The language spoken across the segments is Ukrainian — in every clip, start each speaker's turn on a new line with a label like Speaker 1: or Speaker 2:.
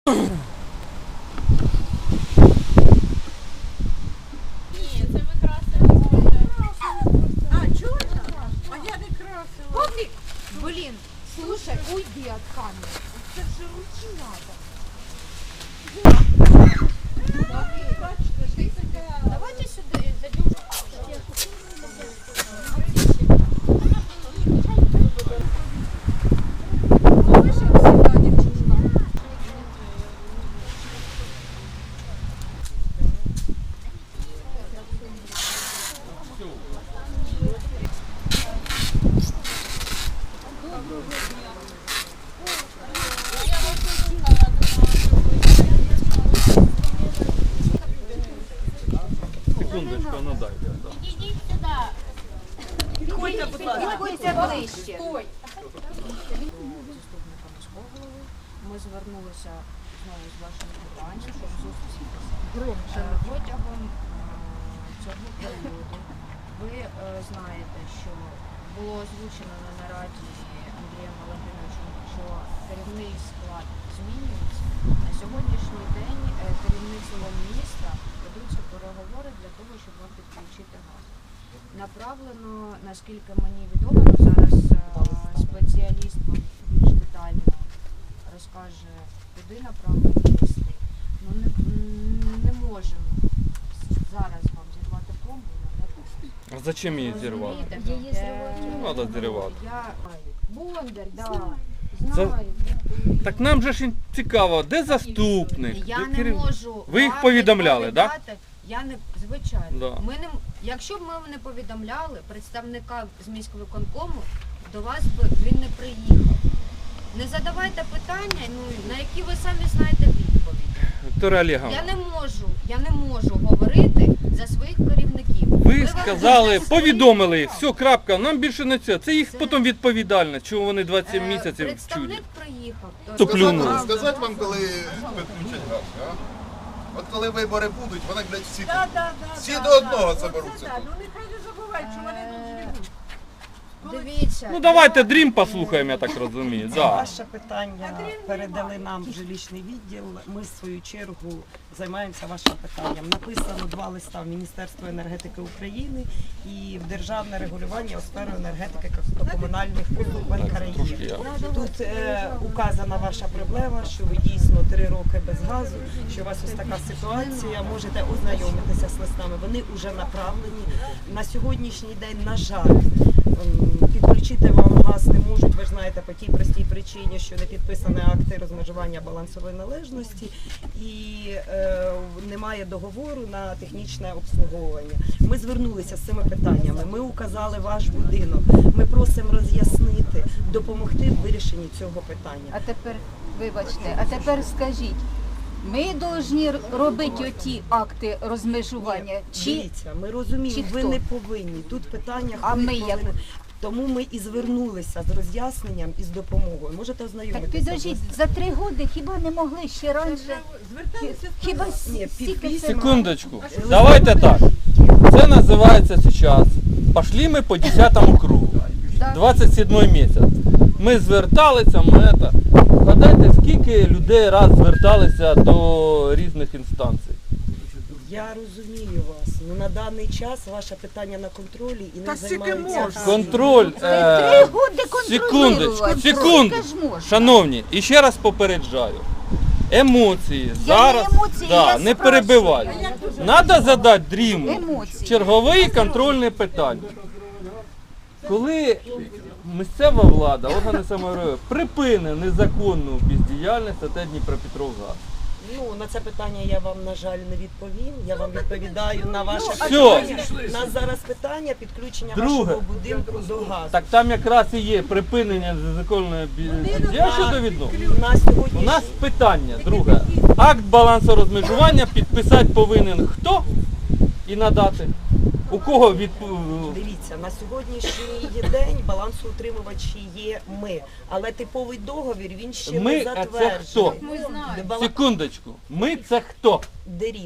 Speaker 1: це ви красили.
Speaker 2: А, чорна? А я не красила.
Speaker 3: Павлик, блин, слушай, уйди от камеры. Это же руки надо. Давайте сюда зайдем.
Speaker 4: Секундочку, ну дайте.
Speaker 1: Ідіть сюди.
Speaker 3: Підходьте ближче.
Speaker 5: Ми звернулися знову з вашим питанням, щоб зустрітися. Протягом цього періоду ви знаєте, що було озвучено на нараді Андрієм Валентиновичем, що керівний склад змінюється. На сьогоднішній день керівництвом міста ведуться переговори для того, щоб вам підключити газ. Направлено, наскільки мені відомо, зараз спеціаліст вам більш детально розкаже, куди направлені листи. Ну не можемо зараз вам зірвати пломбу і надати.
Speaker 4: А зачем її зірвати?
Speaker 5: Розумієте?
Speaker 4: Надо зірвати.
Speaker 5: Я Бондар, да.
Speaker 4: Це-
Speaker 5: Знаю.
Speaker 4: Так нам же ж цікаво, де заступник?
Speaker 5: Я
Speaker 4: де
Speaker 5: не
Speaker 4: керів-
Speaker 5: можу.
Speaker 4: Ви їх
Speaker 5: вам
Speaker 4: повідомляли, так?
Speaker 5: відповідати. Я не, звичайно.
Speaker 4: Да.
Speaker 5: Ми не, якщо б ми не повідомляли, представника з міськвиконкому, до вас би він не приїхав. Не задавайте питання, на які ви самі знаєте відповіді.
Speaker 4: Вікторія Олеговна,
Speaker 5: Я не можу говорити за своїх керівників.
Speaker 4: ви
Speaker 5: вам
Speaker 4: сказали,
Speaker 5: дуже
Speaker 4: повідомили їх, все, крапка, нам більше не це їх
Speaker 5: Це-
Speaker 4: потім відповідальність, чому вони 27 місяців вчуть.
Speaker 5: Представник приїхав.
Speaker 4: То плюнули.
Speaker 6: Сказати вам, коли підключать газ, а? От коли вибори будуть, вони, блядь, всі до одного заберуться
Speaker 2: Так,
Speaker 6: тут.
Speaker 2: ну нехай не забувають, що вони тут живуть.
Speaker 5: Дивіться.
Speaker 4: Ну давайте дрім послухаємо, я так розумію. Да.
Speaker 7: Ваше питання передали нам в жилищний відділ. Ми, в свою чергу, займаємося вашим питанням. Написано 2 листа в Міністерство енергетики України і в Державне регулювання у сферу енергетики та комунальних послуг в
Speaker 4: Трошки
Speaker 7: Україні.
Speaker 4: я.
Speaker 7: Тут указана ваша проблема, що ви дійсно 3 роки без газу, що у вас ось така ситуація. Можете ознайомитися з листами. Вони вже направлені. На сьогоднішній день, на жаль, підключити вам газ не можуть, ви ж знаєте, по тій простій причині, що не підписані акти розмежування балансової належності і немає договору на технічне обслуговування. Ми звернулися з цими питаннями, ми указали ваш будинок, ми просимо роз'яснити, допомогти в вирішенні цього питання.
Speaker 8: А тепер, вибачте, а тепер скажіть, ми повинні робити оті акти розмежування? Чи
Speaker 7: Дивіться, ми розуміємо,
Speaker 8: чи
Speaker 7: ви
Speaker 8: хто?
Speaker 7: не повинні. Тут питання,
Speaker 8: А
Speaker 7: хто
Speaker 8: ми
Speaker 7: повинен.
Speaker 8: як?
Speaker 7: Тому ми і звернулися з роз'ясненням і з допомогою. Можете
Speaker 8: так
Speaker 7: ознайомитися.
Speaker 8: підождіть, за 3 роки хіба не могли ще раніше?
Speaker 2: Зверталися в
Speaker 8: Хіба
Speaker 7: Ні,
Speaker 8: стільки це?
Speaker 4: Секундочку. Давайте так. Це називається зараз. Пошли ми по 10 кругу.
Speaker 8: Так.
Speaker 4: 27 місяць. Ми зверталися, Згадайте, скільки людей раз зверталися до різних інстанцій.
Speaker 7: Я розумію вас. Ну на даний час ваше питання на контролі і не
Speaker 2: Та скільки
Speaker 7: займаються.
Speaker 2: можна?
Speaker 4: Контроль.
Speaker 8: 3 роки
Speaker 4: Секундочку,
Speaker 8: контролювати.
Speaker 4: секундочку.
Speaker 8: Скільки ж можна?
Speaker 4: Шановні, і ще раз попереджаю. Емоції зараз
Speaker 8: емоції, я
Speaker 4: не
Speaker 8: спрашую.
Speaker 4: перебивайте. Треба задати дріму
Speaker 8: Емоції.
Speaker 4: чергове контрольне питання. Коли місцева влада, органи самоврядування припине незаконну бездіяльність АТ Дніпропетровгаз.
Speaker 7: Ну на це питання я вам, на жаль, не відповім. Я вам відповідаю на ваше
Speaker 4: Всьо.
Speaker 7: питання. У нас зараз питання підключення
Speaker 4: Друге.
Speaker 7: вашого будинку до газу.
Speaker 4: Так там якраз і є припинення незаконної бездіяльності щодо відновлення.
Speaker 7: У нас сьогодні
Speaker 4: У нас питання, друге. Акт балансорозмежування підписати повинен хто і надати? У кого
Speaker 7: дивіться, на сьогоднішній день балансоутримувачі є ми, але типовий договір він ще
Speaker 4: Ми,
Speaker 7: не
Speaker 4: а це
Speaker 7: затверджений.
Speaker 4: хто?
Speaker 5: Ми знаємо.
Speaker 7: Бала-
Speaker 4: Секундочку. Ми це хто?
Speaker 7: Дерім.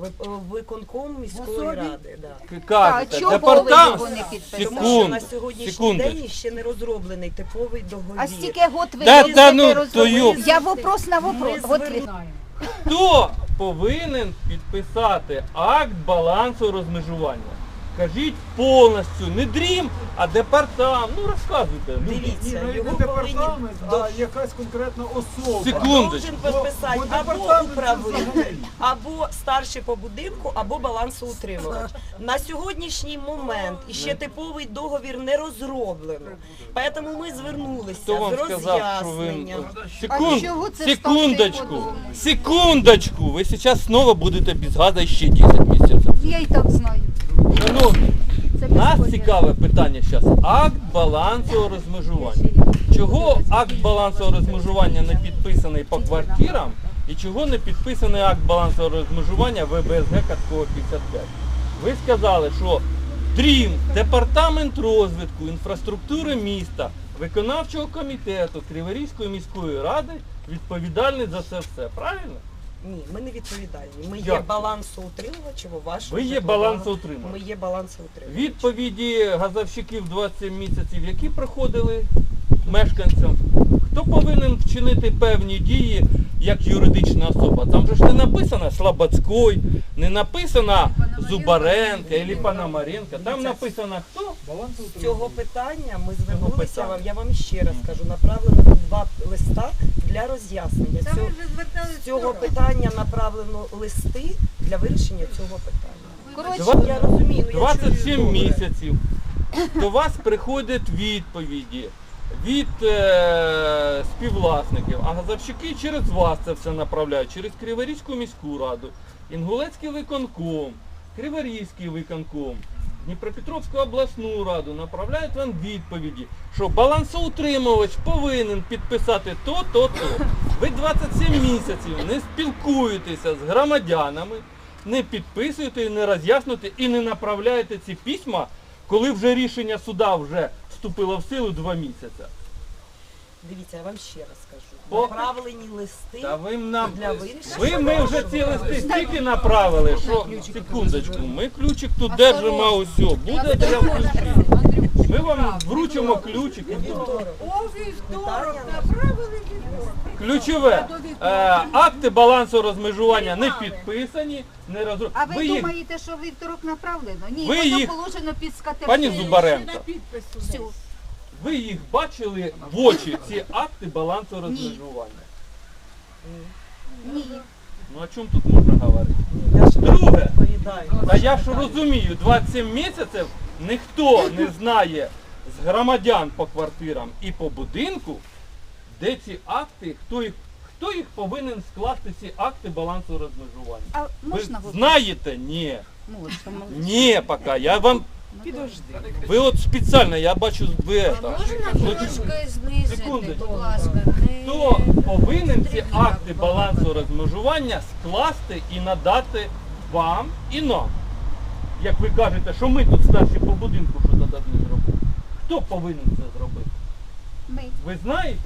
Speaker 7: Виконком міської ради. Да.
Speaker 4: Кажете,
Speaker 8: чого ви
Speaker 4: департамент.
Speaker 8: його не підписали?
Speaker 7: Тому що на
Speaker 4: Секунду,
Speaker 7: сьогоднішній
Speaker 4: секундочку.
Speaker 7: день ще не розроблений типовий договір.
Speaker 8: А стільки год ви
Speaker 4: Да,
Speaker 8: їздите,
Speaker 4: та ну,
Speaker 8: розумієте?
Speaker 4: то
Speaker 8: Я вопрос на вопрос. От ви-
Speaker 4: Хто повинен підписати акт балансу розмежування? Кажіть повністю, не дрім, а департамент. Ну розказуйте. люди.
Speaker 7: Дивіться,
Speaker 2: Не
Speaker 7: його повинні
Speaker 2: департамент, а якась конкретна особа.
Speaker 4: Секундочку.
Speaker 7: должен підписати
Speaker 2: Бо
Speaker 7: або
Speaker 2: департамент
Speaker 7: управитель,
Speaker 2: взагалі.
Speaker 7: або старший по будинку, або балансоутримувач. На сьогоднішній момент іще типовий договір не розроблено. Тому ми звернулися
Speaker 4: Хто вам
Speaker 7: з
Speaker 4: сказав, що ви...
Speaker 7: роз'ясненням.
Speaker 8: А чого це
Speaker 4: Секундочку,
Speaker 8: ставте по-другому?
Speaker 4: секундочку. Ви зараз знову будете без газу ще 10 місяців.
Speaker 8: Я і так знаю.
Speaker 4: Шановні,
Speaker 8: Це
Speaker 4: нас
Speaker 8: безподобно.
Speaker 4: цікаве питання зараз. Акт балансового розмежування. Чого акт балансового розмежування не підписаний по квартирам і чого не підписаний акт балансового розмежування ВБСГ Каткова 55? Ви сказали, що ДРІМ, Департамент розвитку інфраструктури міста, виконавчого комітету Криворізької міської ради відповідальний за це все. Правильно?
Speaker 7: Ні, ми не відповідальні. Ми є
Speaker 4: Як?
Speaker 7: балансоутримувачем у вашому
Speaker 4: Ви є
Speaker 7: житловому-
Speaker 4: балансоутримувач.
Speaker 7: Ми є балансоутримувач.
Speaker 4: Відповіді газовщиків 27 місяців, які проходили мешканцям, хто повинен вчинити певні дії як юридична особа? Там же ж не написано Слободський, не написано Зубаренко або Пономаренко. Там написано хто?
Speaker 7: З цього питання ми звернулися вам, я вам ще раз кажу, направлено 2 листа для роз'яснення. З цього питання направлено листи для вирішення цього питання.
Speaker 8: Коротше,
Speaker 7: Я розумію, ну, я чую
Speaker 4: 27
Speaker 7: добре.
Speaker 4: місяців. До вас приходять відповіді від співвласників, а газовщики через вас це все направляють, через Криворізьку міську раду, Інгулецький виконком, Криворізький виконком, Дніпропетровську обласну раду направляють вам відповіді, що балансоутримувач повинен підписати то. Ви 27 місяців не спілкуєтеся з громадянами, не підписуєте, не роз'яснюєте і не направляєте ці письма, коли вже рішення суда вже вступило в силу 2 місяці.
Speaker 7: Дивіться, я вам ще раз кажу.
Speaker 4: По-
Speaker 7: Направлені листи
Speaker 4: Та ви нам
Speaker 7: для вирішення.
Speaker 4: ми вже ці листи стільки направили, що секундочку, ми ключик тут держимо, а усьо, буде для ключів. Ми вам вручимо ключик. і буде.
Speaker 2: Вівторок направили
Speaker 4: Ключове, акти балансу розмежування не підписані, не розроблені.
Speaker 8: а ви
Speaker 4: їх,
Speaker 8: думаєте, що вівторок направлено? Ні,
Speaker 4: Ви
Speaker 8: воно
Speaker 4: їх-
Speaker 8: положено під скатертину.
Speaker 4: пані Зубаренко,
Speaker 8: Все.
Speaker 4: ви їх бачили в очі, ці акти балансу розмежування?
Speaker 8: Ні.
Speaker 4: Ну о чому тут можна говорити?
Speaker 7: Я ж
Speaker 4: Друге,
Speaker 7: відповідаю.
Speaker 4: та я ж розумію, 27 місяців ніхто не знає з громадян по квартирам і по будинку, де ці акти, хто їх повинен скласти, ці акти балансу розмежування.
Speaker 8: А
Speaker 4: Ви
Speaker 8: можна говорити?
Speaker 4: знаєте? Ні.
Speaker 8: Можна.
Speaker 4: Ні, поки. Я вам... Ви от спеціально, я бачу, ви это.
Speaker 5: Можна трошки знизити,
Speaker 4: Секундочку.
Speaker 5: будь ласка.
Speaker 4: Хто повинен ці акти балансу розмежування скласти і надати вам і нам? Як ви кажете, що ми тут старші по будинку що тоді не зробили. Хто повинен це зробити?
Speaker 8: Ми.
Speaker 4: Ви знаєте?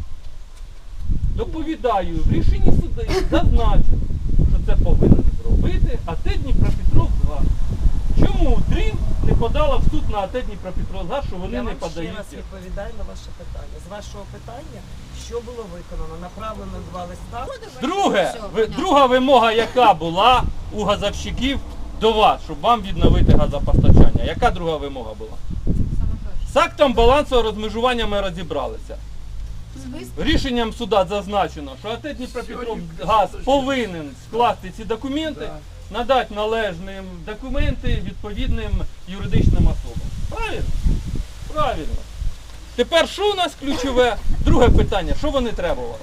Speaker 4: Доповідаю, в рішенні суду зазначено, що це повинен зробити АТ Дніпропетровськгаз. Чому ДРІМ не подала в суд на АТ Дніпропетровськгаз, що вони
Speaker 7: Я
Speaker 4: не
Speaker 7: вам ще
Speaker 4: подають?
Speaker 7: раз відповідаю на ваше питання. З вашого питання, що було виконано? Направлено 2 листа.
Speaker 4: Друге,
Speaker 5: Все, понятно.
Speaker 4: друга вимога, яка була у газовщиків до вас, щоб вам відновити газопостачання. Яка друга вимога була? З актом балансового розмежування ми розібралися. Рішенням суда зазначено, що АТ Дніпропетровгаз повинен скласти ці документи, надати належні документи відповідним юридичним особам. Правильно? Правильно. Тепер що у нас ключове? Друге питання, що вони требували?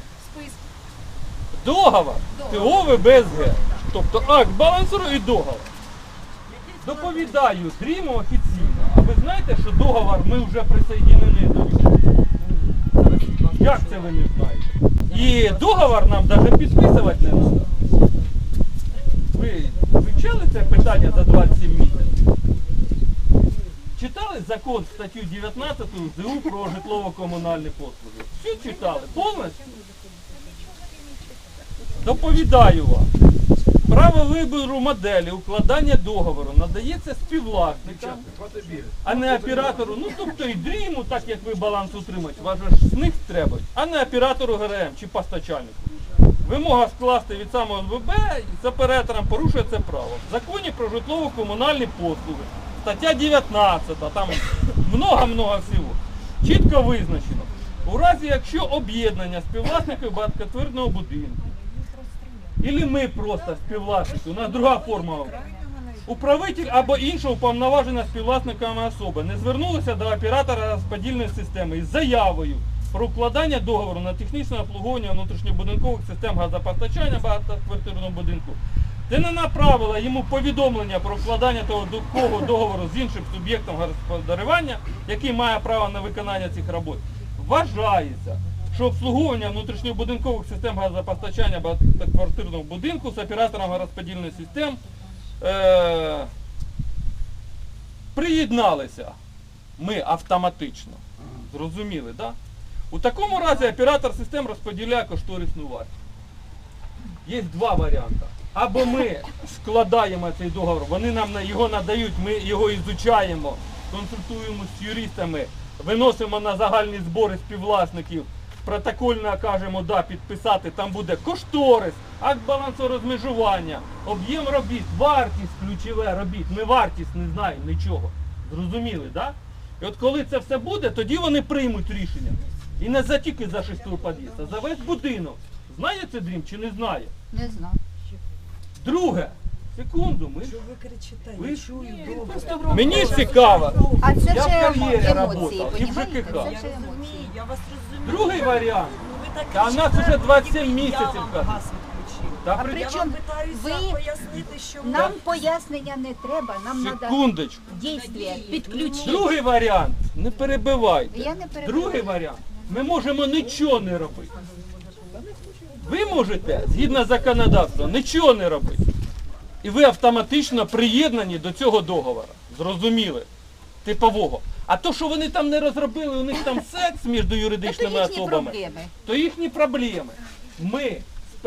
Speaker 4: Договор ТО ВБСГ. Тобто акт балансу і договор. Доповідаю ДРІМу офіційно. А ви знаєте, що договор ми вже присоединені до нього? Як це ви не знаєте? І договор нам навіть підписувати не треба. Ви вивчали це питання за 27 місяців? Читали закон, статтю 19 ЗУ про житлово-комунальні послуги? Все читали? Повністю? Доповідаю вам. Право вибору моделі укладання договору надається співвласникам, а не оператору. Ну тобто і дріму, так як ви баланс утримуєте, вас же ж з них треба, а не оператору ГРМ чи постачальнику. Вимога скласти від самого НВБ з оператором порушує це право. В законі про житлово-комунальні послуги, стаття 19, там много-много всього, чітко визначено. У разі, якщо об'єднання співвласників багатоквартирного будинку, або ми просто співвласники, у нас друга форма, управитель або інша уповноважена співвласниками особа не звернулися до оператора розподільної системи із заявою про укладання договору на технічне обслуговування внутрішньобудинкових систем газопостачання багатоквартирного будинку, та не направила йому повідомлення про укладання такого договору з іншим суб'єктом господарювання, який має право на виконання цих робот, вважається, що обслуговування внутрішньобудинкових систем газопостачання багатоквартирного будинку з оператором розподільних систем приєдналися ми автоматично. Зрозуміли, так? Да? У такому разі оператор систем розподіляє кошторисну вартість. Є два варіанти. Або ми складаємо цей договор, вони нам його надають, ми його ізучаємо, консультуємо з юристами, виносимо на загальні збори співвласників, протокольно кажемо, да, підписати, там буде кошторис, акт балансорозмежування, об'єм робіт, вартість ключове робіт, ми вартість не знаємо нічого. Зрозуміли, так? Да? І от коли це все буде, тоді вони приймуть рішення. І не за тільки за 6-й під'їзд, а за весь будинок. Знає це дрім чи не знає?
Speaker 8: Не знаю.
Speaker 4: Друге. Секунду, ми...
Speaker 7: Що ви кричите?
Speaker 4: Ви-
Speaker 7: Я чую добре.
Speaker 4: Мені цікаво.
Speaker 8: А це
Speaker 4: Я в
Speaker 8: вже
Speaker 4: кар'єрі
Speaker 8: емоції,
Speaker 4: работав, і в
Speaker 8: понімаєте?
Speaker 4: ЖКХ.
Speaker 8: Це вже емоції.
Speaker 7: Я вас розумію.
Speaker 4: Другий варіант.
Speaker 7: Ви так
Speaker 4: Та у нас
Speaker 7: кричите,
Speaker 4: уже 27
Speaker 7: ніби
Speaker 4: місяців,
Speaker 7: Я вам
Speaker 4: кажуть.
Speaker 7: газ відключив.
Speaker 4: Та
Speaker 8: А
Speaker 4: при...
Speaker 8: при
Speaker 7: Я
Speaker 8: чому
Speaker 7: вам питаюся
Speaker 8: ви-
Speaker 7: пояснити, що ви...
Speaker 8: Нам пояснення не треба, нам треба
Speaker 4: Секундочку.
Speaker 8: дійствия, підключити.
Speaker 4: Другий варіант. Не перебивайте.
Speaker 8: Я не перебиваю.
Speaker 4: Другий варіант. Ми можемо нічого не робити. Ви можете, згідно законодавства, нічого не робити. І ви автоматично приєднані до цього договору. Зрозуміли? Типового. А то, що вони там не розробили, у них там секс між
Speaker 8: Це
Speaker 4: юридичними
Speaker 8: їхні
Speaker 4: особами,
Speaker 8: проблеми.
Speaker 4: то їхні проблеми. Ми з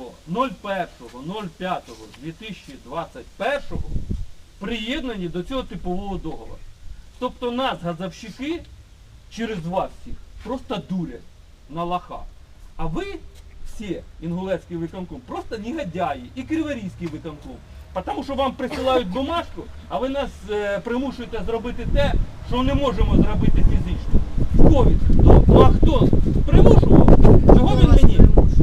Speaker 4: 1.01.05.2021 приєднані до цього типового договору. Тобто нас, газовщики, через вас всіх, просто дурять на лоха. А ви всі, Інгулецький виконком, просто негодяї і Криворізький виконком. Тому що вам присилають бумажку, а ви нас примушуєте зробити те, що не можемо зробити фізично. Ковід. Ну а хто примушував? Чого він мені?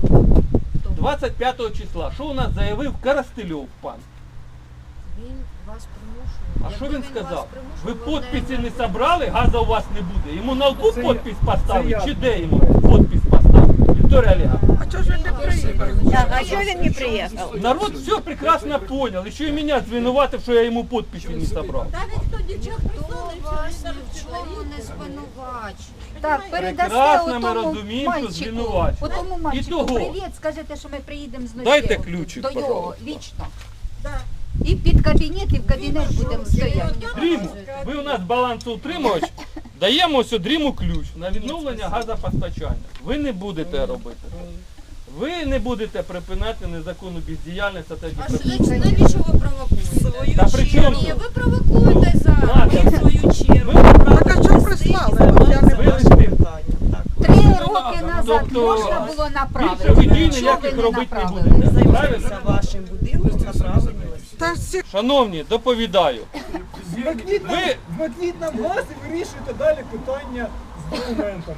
Speaker 4: 25 числа. Що у нас заявив Коростельов пан?
Speaker 5: Він вас примушує.
Speaker 4: А що
Speaker 5: Якби
Speaker 4: він сказав?
Speaker 5: вас
Speaker 4: Ви
Speaker 5: примушував,
Speaker 4: підписи
Speaker 5: одне-
Speaker 4: не собрали, газу у вас не буде. Йому на лбу
Speaker 9: Це
Speaker 4: підпис
Speaker 9: я.
Speaker 4: поставити,
Speaker 9: Це
Speaker 4: чи
Speaker 9: я.
Speaker 4: де йому підпис поставити? Вікторія Олеговна.
Speaker 2: А чого ж він не приїхав?
Speaker 1: А чого він не приїхав?
Speaker 4: Народ все прекрасно понял. Еще и меня звинуватив, що я йому підписи не собрав.
Speaker 2: Та ніхто нічого
Speaker 5: Хто
Speaker 2: прислали,
Speaker 5: вас
Speaker 2: що
Speaker 5: ні
Speaker 2: він
Speaker 5: в чому не звинувачує?
Speaker 8: Так, передасте
Speaker 4: Прекрасно ми
Speaker 8: отому
Speaker 4: розуміємо, що
Speaker 8: мальчику,
Speaker 4: звинувачує.
Speaker 8: отому мальчику
Speaker 4: Ітого.
Speaker 8: привіт, скажете, що ми приїдемо з ночі
Speaker 4: Дайте ключик,
Speaker 8: до його,
Speaker 4: пожалуйста.
Speaker 8: лічно.
Speaker 2: Да.
Speaker 8: І під кабінет, і в кабінет будемо стояти.
Speaker 4: Дріму, ви у нас балансоутримувач, даємо ось Дріму ключ на відновлення газопостачання. Ви не будете робити. Ви не будете припиняти незаконну бездіяльність та
Speaker 5: Навіщо ви провокуєте?
Speaker 4: Та при чому
Speaker 5: Ні,
Speaker 4: тут?
Speaker 5: ви провокуєте зараз.
Speaker 4: Надя,
Speaker 7: свою чергу.
Speaker 2: Так а чого прислали? Я не
Speaker 4: ви
Speaker 2: бачу.
Speaker 4: листи.
Speaker 7: Так.
Speaker 8: 3 роки назад
Speaker 4: Тобто,
Speaker 8: можна було направити.
Speaker 4: Більше ви дій
Speaker 8: Чого
Speaker 4: ніяких
Speaker 8: ви
Speaker 4: робити не
Speaker 8: направили?
Speaker 4: будете.
Speaker 7: Займайтеся
Speaker 4: Правильно?
Speaker 7: вашим будинком, направлені листи.
Speaker 2: Та всі
Speaker 4: Шановні, доповідаю. Ви-
Speaker 9: Вмикніть нам газ і вирішуйте далі питання з документами.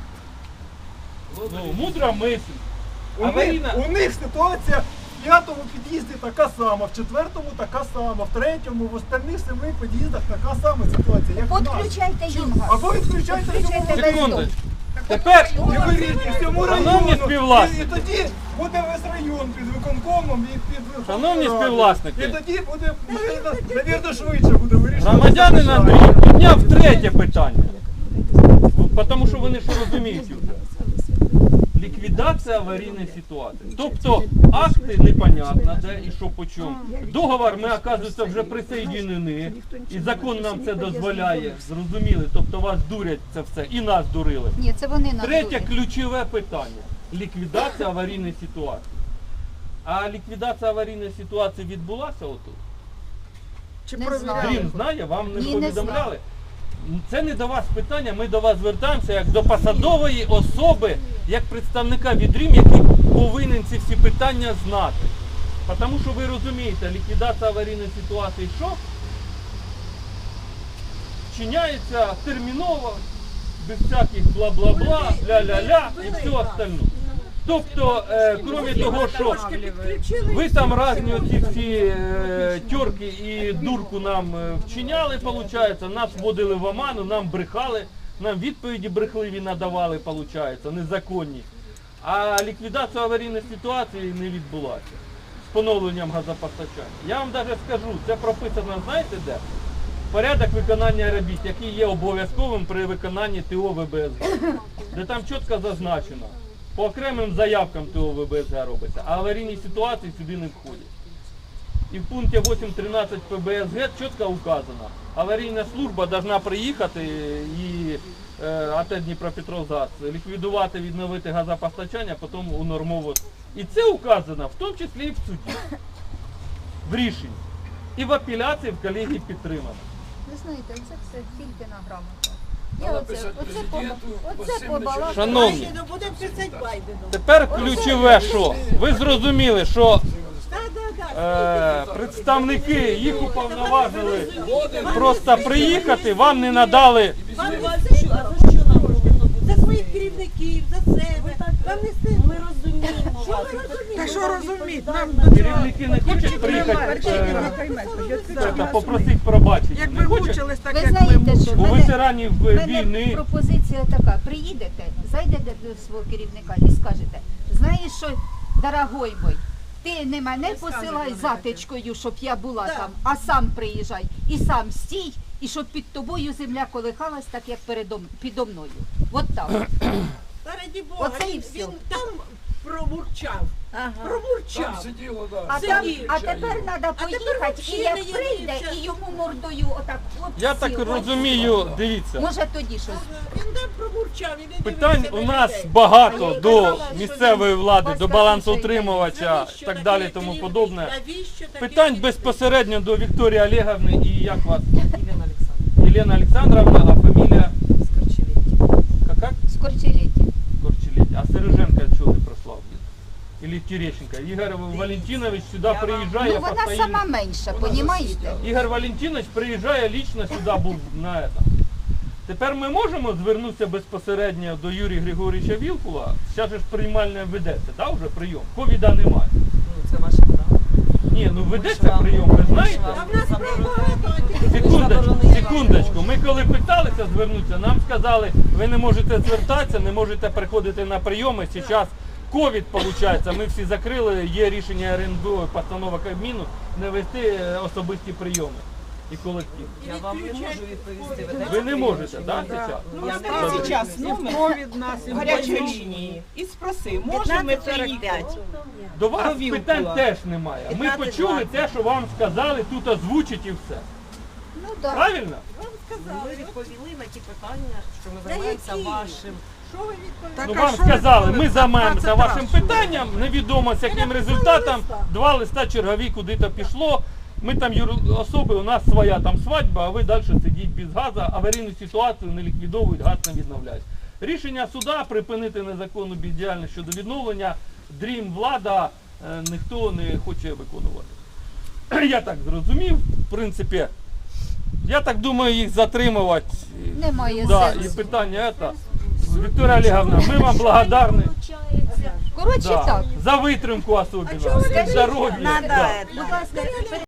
Speaker 4: Ну, мудра мисль.
Speaker 9: У
Speaker 4: Аварійна.
Speaker 9: них, у них ситуація в 5-му під'їзді така сама, в 4-му така сама, в 3-му, в остальних 7 під'їздах така сама ситуація, як в нас.
Speaker 8: Підключайте їм газ.
Speaker 9: Або відключайте
Speaker 8: Підключайте
Speaker 9: всьому
Speaker 8: весь
Speaker 4: Секунду.
Speaker 8: дом.
Speaker 4: Тепер
Speaker 9: і вирішуйте всьому
Speaker 4: Шановні
Speaker 9: району.
Speaker 4: співвласники.
Speaker 9: І тоді буде весь район під виконкомом і під Верховною
Speaker 4: Шановні
Speaker 9: Радою.
Speaker 4: співвласники.
Speaker 9: І тоді буде, навірно, швидше буде вирішувати.
Speaker 4: громадянин
Speaker 9: це
Speaker 4: Андрій
Speaker 9: питання.
Speaker 4: підняв третє питання. Тому що вони що розуміють вже. Ліквідація аварійної ситуації. Тобто акти непонятно, де і що по чому. Договор ми, оказується, вже присоєдинені. І закон нам це дозволяє. Зрозуміли? Тобто вас дурять це все. І нас дурили.
Speaker 8: Ні, це вони нас
Speaker 4: Третє
Speaker 8: дурять.
Speaker 4: ключове питання. Ліквідація аварійної ситуації. А ліквідація аварійної ситуації відбулася отут?
Speaker 7: Чи
Speaker 8: Не
Speaker 7: провіряли?
Speaker 4: Дрім знає, вам не
Speaker 8: Ні, не
Speaker 4: повідомляли? Це не до вас питання, ми до вас звертаємося як до посадової особи, як представника від Дрім, який повинен ці всі питання знати. Тому що ви розумієте, ліквідація аварійної ситуації що? Вчиняється терміново, без всяких бла-бла-бла, ля-ля-ля і все остальне. Тобто, крім того, що ви там різні оці всі тьорки і дурку нам вчиняли, виходить, нас вводили в оману, нам брехали, нам відповіді брехливі надавали, виходить, незаконні. А ліквідація аварійної ситуації не відбулася з поновленням газопостачання. Я вам навіть скажу, це прописано, знаєте де? Порядок виконання робіт, який є обов'язковим при виконанні ТО ВБСГ, де там чітко зазначено. По окремим заявкам ТО ВБСГ робиться, а аварійні ситуації сюди не входять. І в пункті 8.13 ПБСГ чітко указано, аварійна служба повинна приїхати і АТ Дніпропетровгаз ліквідувати, відновити газопостачання, потім унормовувати. І це указано, в тому числі і в суді, в рішенні. І в апеляції в колегії підтримано.
Speaker 8: Ви знаєте, це все тільки на грамотах. Я оце побалакала.
Speaker 4: Шановні,
Speaker 2: Ну будемо писати Байдену.
Speaker 4: тепер ключове, що ви зрозуміли, що
Speaker 2: Да.
Speaker 4: представники їх уповноважили просто приїхати, вам не надали.
Speaker 2: Вам за що нам робити? За своїх керівників, за себе. Вам не стидно. Ми розуміємо. Що ви розумієте?
Speaker 7: Та що розуміти? Нам
Speaker 4: Керівники не хочуть приїхати попросити пробачення.
Speaker 7: як
Speaker 4: Не
Speaker 7: ви
Speaker 4: хочуть?
Speaker 7: мучились, так
Speaker 8: Ви
Speaker 7: як ми
Speaker 8: знаєте, що
Speaker 4: У
Speaker 8: в
Speaker 4: ветеранів
Speaker 8: мене
Speaker 4: війни.
Speaker 8: пропозиція така. Приїдете, зайдете до свого керівника і скажете, знаєш що, дорогой мой, ти не мене посилай затичкою, щоб я була там, а сам приїжджай і сам стій, і щоб під тобою земля колихалась, так як підо мною. От так.
Speaker 2: Та раді Бога,
Speaker 8: Оце і все.
Speaker 2: він там промурчав. Промурчав.
Speaker 8: А тепер треба поїхати, і як
Speaker 2: взагалі
Speaker 8: прийде,
Speaker 2: не
Speaker 8: і йому мордою отак от
Speaker 4: Я так
Speaker 8: сіл, от
Speaker 4: розумію,
Speaker 8: сіл.
Speaker 4: дивіться,
Speaker 8: Може тоді щось.
Speaker 2: Він там промурчав і не
Speaker 4: питань
Speaker 2: дивився
Speaker 4: у
Speaker 2: на
Speaker 4: нас
Speaker 2: людей.
Speaker 4: багато
Speaker 2: Мені
Speaker 4: до
Speaker 2: казали, що
Speaker 4: місцевої влади, до
Speaker 8: Вас
Speaker 4: балансоутримувача
Speaker 2: навіщо
Speaker 4: і так
Speaker 2: такий
Speaker 4: далі і тому
Speaker 2: керівник?
Speaker 4: подобне.
Speaker 2: Навіщо такий
Speaker 4: Питань
Speaker 2: керівник?
Speaker 4: безпосередньо до Вікторії Олеговни і як вас? Єлена Олександровна, а фамілія? Как?
Speaker 8: Скорчиліття.
Speaker 4: Корчелеть. А Сереженко чого не прослав? Или Терещенко? Ігор Валентинович сюди приїжджає
Speaker 8: Ну вона
Speaker 4: постійно.
Speaker 8: сама менша, понімаєте?
Speaker 4: Ігор Валентинович приїжджає лічно сюди, був на это. Тепер ми можемо звернутися безпосередньо до Юрія Григорійовича Вілкула. Зараз же ж приймальне ведеться, да, вже прийом? Ковіда немає.
Speaker 7: Це ваше право.
Speaker 4: Ні, ну ведеться прийом, ви знаєте?
Speaker 2: А в нас багато.
Speaker 4: Секундочку. Ми коли питалися звернутися, нам сказали, ви не можете звертатися, не можете приходити на прийоми. Зараз ковід, виходить, ми всі закрили, є рішення РНБО, постанова Кабміну, не вести особисті прийоми і колектив.
Speaker 7: Я вам не можу відповісти.
Speaker 4: Ви не можете, так, зараз?
Speaker 10: Набери сейчас номер гарячої лінії і спроси, можемо ми приїхати?
Speaker 4: До вас
Speaker 10: До Вілкула.
Speaker 4: питань теж немає. Ми почули те, що вам сказали, тут озвучить і все.
Speaker 8: Ну так.
Speaker 4: Правильно?
Speaker 7: Ми відповіли на ті питання, що ми займаємося вашим.
Speaker 2: Що ви відповідаєте?
Speaker 4: Ну вам сказали, ми займаємося вашим питанням, невідомо з яким результатом, 2 листа чергові куди-то пішло. Ми там особи, у нас своя там свадьба, а ви далі сидіть без газу, аварійну ситуацію не ліквідовують, газ не відновляють. Рішення суда припинити незаконну бездіяльність щодо відновлення, Дрім, влада, ніхто не хоче виконувати. Я так зрозумів, в принципі, я так думаю, їх затримувати.
Speaker 8: Немає
Speaker 4: Да, і
Speaker 8: сенсу.
Speaker 4: питання це. Вікторія Олеговна, ми вам благодарні.
Speaker 8: Коротше
Speaker 4: Да,
Speaker 8: так.
Speaker 4: за витримку особливо,
Speaker 2: чого ви
Speaker 4: здоров'я.
Speaker 8: Будь
Speaker 4: Да.
Speaker 8: ласка,